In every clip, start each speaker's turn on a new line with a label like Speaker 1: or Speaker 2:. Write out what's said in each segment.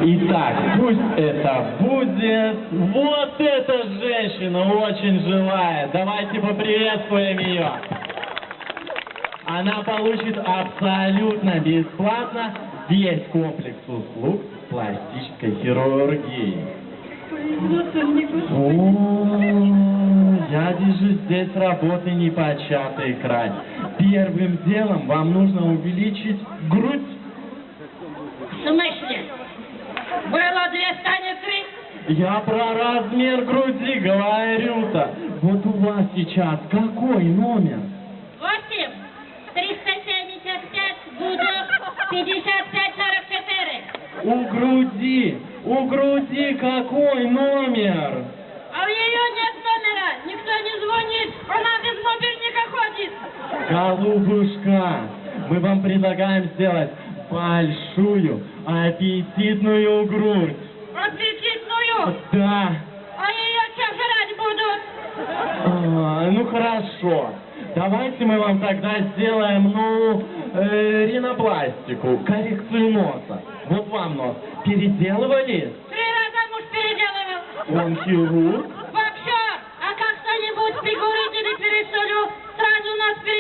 Speaker 1: Итак, пусть это будет вот эта женщина очень желает. Давайте поприветствуем ее. Она получит абсолютно бесплатно весь комплекс услуг пластической хирургии. О, дяди же здесь работы непочатый край. Первым делом вам нужно увеличить грудь.
Speaker 2: В смысле? Было 2 станет 3?
Speaker 1: Я про размер груди говорю-то. Вот у вас сейчас какой номер?
Speaker 2: 8, 375, буду 55, 44.
Speaker 1: У груди какой номер?
Speaker 2: А у нее нет номера, никто не звонит, она без мобильника ходит.
Speaker 1: Голубушка, мы вам предлагаем сделать большую аппетитную грудь.
Speaker 2: Аппетитную?
Speaker 1: Да.
Speaker 2: А ее что жрать будут?
Speaker 1: Ну хорошо. Давайте мы вам тогда сделаем, ринопластику, коррекцию носа. Вот вам нос. Переделывали?
Speaker 2: 3 раза муж переделывал.
Speaker 1: Он хирург?
Speaker 2: Боксер, а как кто-нибудь фигурит или пересолю, сразу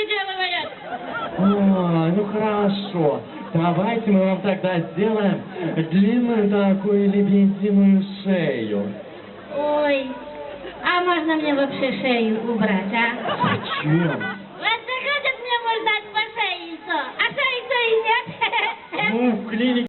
Speaker 2: нас переделывает.
Speaker 1: Ну хорошо. Давайте мы вам тогда сделаем длинную такую лебединую шею.
Speaker 2: Ой, а можно мне вообще шею убрать, а?
Speaker 1: Зачем?
Speaker 2: Вот заходит мне муж дать по шее, и что? А шеи-то и нет.
Speaker 1: Ну, в клинике